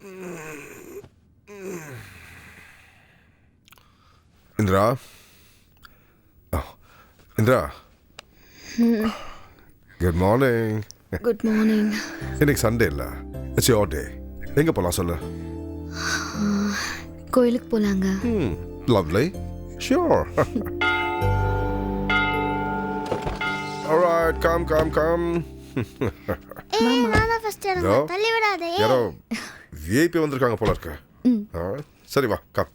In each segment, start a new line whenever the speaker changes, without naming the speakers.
Indira. Indira. Good morning.
Good morning.
இன்னைக்கு Sunday இல்லை, it's your day. எங்கே போகலாம் சொல்லு.
கோயிலுக்கு போலாங்க.
லவ்லி. ஷியோர். Alright, come.
நான் ஃபர்ஸ்ட் இறங்க தள்ளி விடாதே.
யாரோ விஐபி வந்திருக்காங்க போல இருக்கு. சரி வா கம்.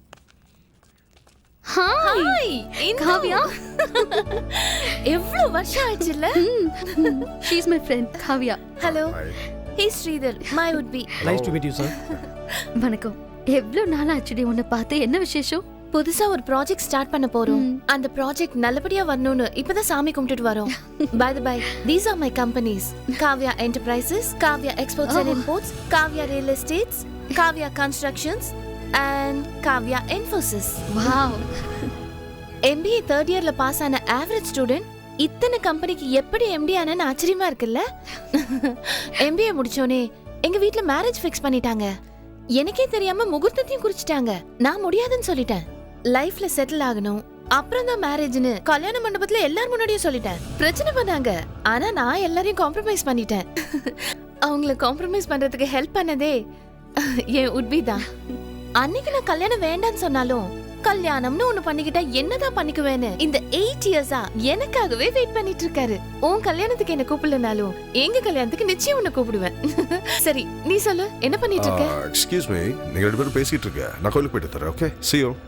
ஹாய் காவ்யா. எவ்வளவு வருஷம் ஆச்சுல.
She is my friend Kavya.
Hello. Hey Sridhar, my would be.
Nice to meet you, sir.
வணக்கம். எவ்வளவு நாள் ஆச்சுடி உன்னை பார்த்து. என்ன விசேஷம்?
புதுசா ஒரு ப்ராஜெக்ட் ஸ்டார்ட் பண்ண போறோம். அந்த ப்ராஜெக்ட் நல்லபடியா வரணும்னு இப்பதான் சாமி கும்பிட்டுட்டு வரோம். By the by, these are my companies. Kavya Enterprises, Kavya Exports and Imports, Kavya Real Estates, Kavya Constructions and Kavya Infosys.
Wow.
MBA third yearல பாஸ் ஆன average student இத்தனை கம்பெனிக்கு எப்படி MD ஆனன்னு ஆச்சரியமா இருக்குல்ல. MBA முடிச்சோனே எங்க வீட்ல மேரேஜ் ஃபிக்ஸ் பண்ணிட்டாங்க. எனக்கே தெரியாம முகூர்த்தத்தையும் குறிச்சிட்டாங்க. நான் முடியாதுன்னு சொல்லிட்டேன். லைஃப்ல செட்டில் ஆகணும், அப்புறம் தான் மேரேஜ்னு கல்யாண மண்டபத்துல எல்லாரும் முன்னாடியும் சொல்லிட்டேன். பிரச்சனை பண்ணாங்க, ஆனா நான் எல்லாரையும் காம்ப்ரமைஸ் பண்ணிட்டேன். அவங்கள காம்ப்ரமைஸ் பண்றதுக்கு ஹெல்ப் பண்ணதே என் உட்பி தான். அன்னைக்கு நான் கல்யாணம் வேண்டான்னு சொன்னாலும் கல்யாணம்னு ஒண்ணு பண்ணிக்கிட்டா என்னதான் பண்ணிக்குவேன்னு இந்த 8 இயர்ஸா எனக்காகவே வெயிட் பண்ணிட்டு இருக்காரு. உன் கல்யாணத்துக்கு என்ன கூப்பிடலனாலும் எங்க கல்யாணத்துக்கு நிச்சயம் உன்னை கூப்பிடுவேன். சரி நீ சொல்லு, என்ன பண்ணிட்டு இருக்க?
எக்ஸ்கியூஸ் மீ, நீங்க ரெண்டு பேரும் பேசிட்டு இருக்க. நான் கோயிலுக்கு போயிட்டு தரேன். Okay, see you.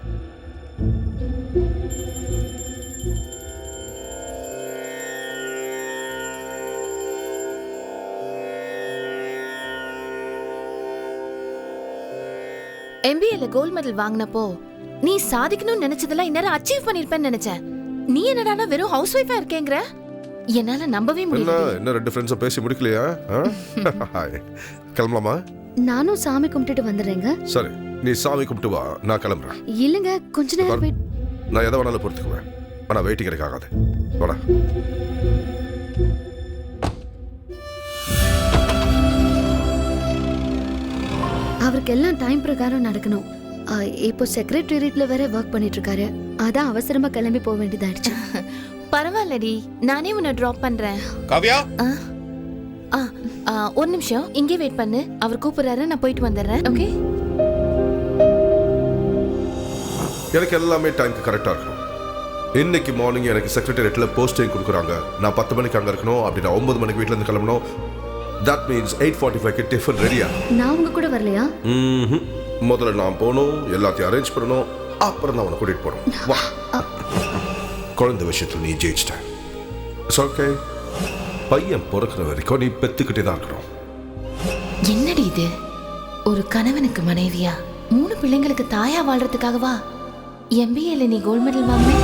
MBAல கோல்ட் மெடல் வாங்கினப்போ நீ சாதிக்கணும்னு நினைச்சதெல்லாம் இந்நேரம் அச்சீவ் பண்ணிருப்பேன்னு நினைச்சேன். நீ என்னடானா வெறும் ஹவுஸ் ஒய்ஃபா இருக்கேங்கற? என்னால நம்பவே முடியல.
என்ன ரெண்டு ஃப்ரெண்ட்ஸா பேசி முடிக்கலையா? ஹாய், கிளம்பலாமா?
நானும் சாமி கும்பிட்டுட்டு வந்துடுறேங்க.
சரி, நீ சாமி கும்பிட்டு வா, நான் கிளம்புறேன்.
இல்லங்க, கொஞ்ச நேரம் வெயிட்.
நான் எதை வேணாலும் பொறுத்துக்குவேன், ஆனா வெயிட்டிங் எனக்கு ஆகாது. வாடா.
அவருக்கு எல்லாம் டைம் பிரகாரம் நடக்கணும். இப்போ செக்ரட்டரியேட்ல வேற ஒர்க் பண்ணிட்டு இருக்காரு. அதான் அவசரமா கிளம்பி போக வேண்டியதாயிடுச்சு.
பரவாயில்லடி, நானே உன்னை டிராப் பண்றேன்.
காவ்யா,
ஒரு நிமிஷம் இங்கே வெயிட் பண்ணு. அவர் கூப்பிடுறாரு, நான் போயிட்டு வந்துடுறேன். ஓகே?
எனக்கு எல்லாமே டைம்க்கு கரெக்டா இருக்கணும். இன்னைக்கு மார்னிங் எனக்கு செக்ரட்டரியேட்ல போஸ்டிங் கொடுக்குறாங்க. நான் 10 மணிக்கு அங்க இருக்கணும். அப்படி நான் 9 மணிக்கு வீட்ல இருந்து கிளம்பணும். That means 8:45 க்கு டிஃபன் ரெடியா?
நான் உங்க கூட வரலையா?
முதல்ல நான் போகணும், எல்லாத்தையும் அரேஞ்ச் பண்ணணும், அப்புறம் தான் உன்னை கூட்டிட்டு போறோம். வா. குழந்தை விஷயத்துல நீ ஜெயிச்சிட்ட. It's okay. பையன் பிறக்கிற வரைக்கும் நீ பெத்துக்கிட்டே தான் இருக்கணும்.
என்னடி இது? ஒரு கணவனுக்கு மனைவியா 3 பிள்ளைங்களுக்கு தாயா வாழ்றதுக்காகவா MBAல நீ கோல்ட் மெடல் வாங்கின?